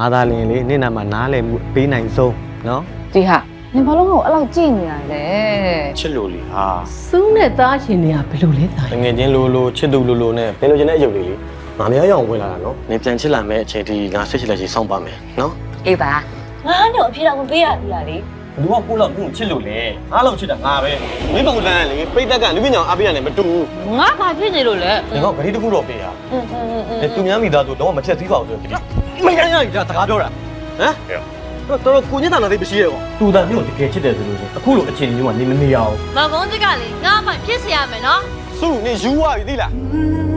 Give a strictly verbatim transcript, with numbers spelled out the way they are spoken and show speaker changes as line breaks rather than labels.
ငါသားလင်းလေနေ့နာမှာနားလည်မှုပေးနိုင်ဆုံးနော်
ဒီဟာနင်ဘာလို့ငါ့ကိုအဲ့လောက်ကြည့်နေရလဲ
ချစ်လို့လေဟာ
စူးနဲ့သားရှင်တွေကဘယ်လိုလဲသား
တငယ်ချင်းလိုလိုချစ်သူလိုလိုနဲ့သင်လိုချင်တဲ့အယုတ်လေးလေငါမရရအောင်ဝင်လာတာနော်နေပြန်ချစ်လာမဲ့အချိန်ဒီငါဆွချစ်လက်ချီစောင့်ပါမယ်နော်
အေးပါ
ငါညောအပြေတော့မပေးရဘူးလားလေ
ဘယ်သူကကိုလောက်ကိုချစ်လို့လေငါလောက်ချစ်တာငါပဲမင်းပုံစံကလေပိတ်တက်ကလူပညာအားပေးရတယ်မတူဘူး
ငါဘာဖြစ်နေလို့လဲ
ဒီကောင်ဂရီတခုတော့ပေးရ
อืมๆๆ
သူများမိသားစုတော့မချက်သေးပါဘူးဆိုတော့မရရရစကားပြောတာဟမ်တော်တော်ကိုညစ်တာတော့သိမရှိရကောသူတန်မျိုးတကယ်ချစ်တယ်ဆိုလို့အခုလိုအခြေအနေမျိုးမှာနေမနေရအောင်
မကုန်းစစ်ကလေငါအမှဖြစ်เสียရမယ်နော်
စုနေယူသွားပြီသိလား